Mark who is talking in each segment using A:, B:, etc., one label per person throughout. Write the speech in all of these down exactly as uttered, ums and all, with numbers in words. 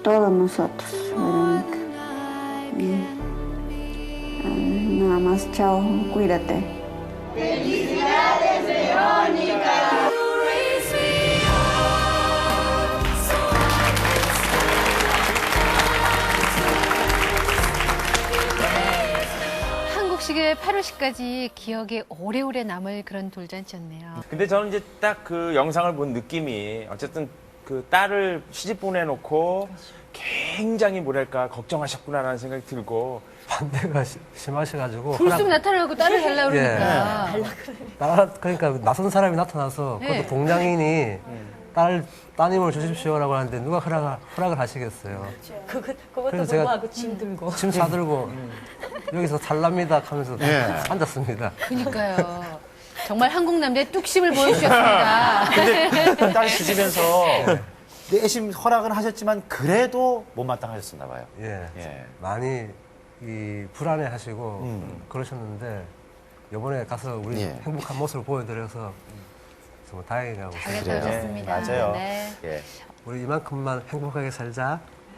A: todos nosotros, Verónica. Y, ah, nada más, chao, cuídate.
B: ¡Felicidades, Verónica!
C: 한국식의 팔월시까지 기억에 오래오래 남을 그런 돌잔치였네요.
D: 근데 저는 이제 딱 그 영상을 본 느낌이 어쨌든 그 딸을 시집 보내놓고 굉장히 뭐랄까 걱정하셨구나라는 생각이 들고
E: 반대가 시- 심하셔가지고
C: 불쑥
E: 하나-
C: 나타나고 딸을 달라 그러니까.
E: 따라 그러니까 낯선 사람이 나타나서
C: 네.
E: 그것도 동양인이 딸 따님을 주십시오라고 하는데 누가 허락을, 허락을 하시겠어요.
F: 그것, 그것도
E: 그래서 제가
F: 불구하고 짐 들고.
E: 짐 싸들고 여기서 살랍니다 하면서
G: 예.
E: 앉았습니다.
C: 그러니까요. 정말 한국 남자의 뚝심을 보여주셨습니다.
G: 근데 딸 주시면서 내심 허락은 하셨지만 그래도 못마땅하셨었나 봐요.
E: 예.
G: 예.
E: 많이 이 불안해하시고
G: 음.
E: 그러셨는데 이번에 가서 우리
G: 예.
E: 행복한 모습을 보여드려서 정말 다행이라고
C: 잘
E: 생각해요.
C: 갔다 오셨습니다.
G: 맞아요.
C: 네.
G: 예.
E: 우리 이만큼만 행복하게 살자.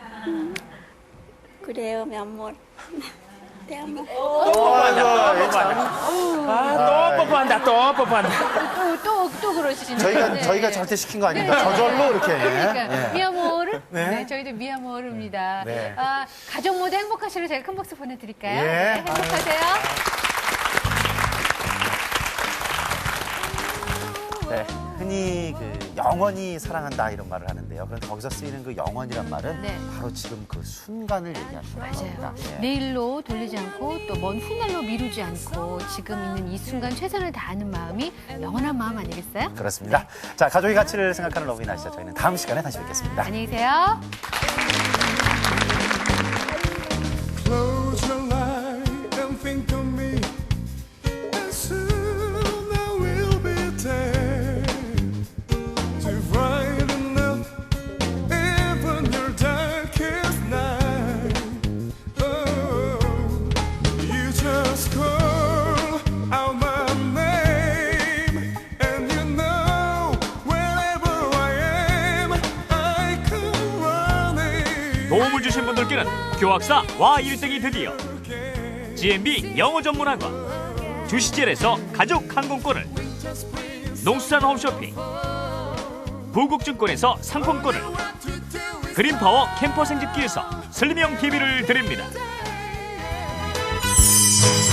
A: Creo, mi amor. Te amo.
D: 또 뽀뽀한다 또 뽀뽀한다.
C: 또, 또, 또 그러시네.
G: 저희가
C: 네.
G: 저희가 잘때 시킨 거 아닙니까? 저절로 이렇게.
C: 그러니까
G: 예.
C: 미아모르. 네.
G: 네.
C: 저희도 미아모르입니다.
G: 네.
C: 아, 가족 모두 행복하시로 제가 큰 박수 보내드릴까요?
G: 예.
C: 네, 행복하세요.
G: 네. 흔히 그 영원히 사랑한다 이런 말을 하는데요. 그런데 거기서 쓰이는 그 영원이란 말은
C: 네.
G: 바로 지금 그 순간을 얘기하는 겁니다.
C: 맞아요.
G: 예.
C: 내일로 돌리지 않고 또 먼 훗날로 미루지 않고 지금 있는 이 순간 최선을 다하는 마음이 영원한 마음 아니겠어요?
G: 그렇습니다. 자, 가족의 가치를 생각하는 러브인 아시죠? 저희는 다음 시간에 다시 뵙겠습니다.
C: 안녕히 계세요.
H: Close your eye and think of me, and soon I will be there to brighten up even your darkest night. Oh, you just call out my name, and you know wherever I am, I come running.
I: 도움을 주신 분들께는 교학사 와 일등이 드디어 지엠비 영어 전문학원 주시젤에서 가족 항공권을 농수산 홈쇼핑 부국증권에서 상품권을 그린파워 캠퍼 생집기에서 슬림형 티비를 드립니다.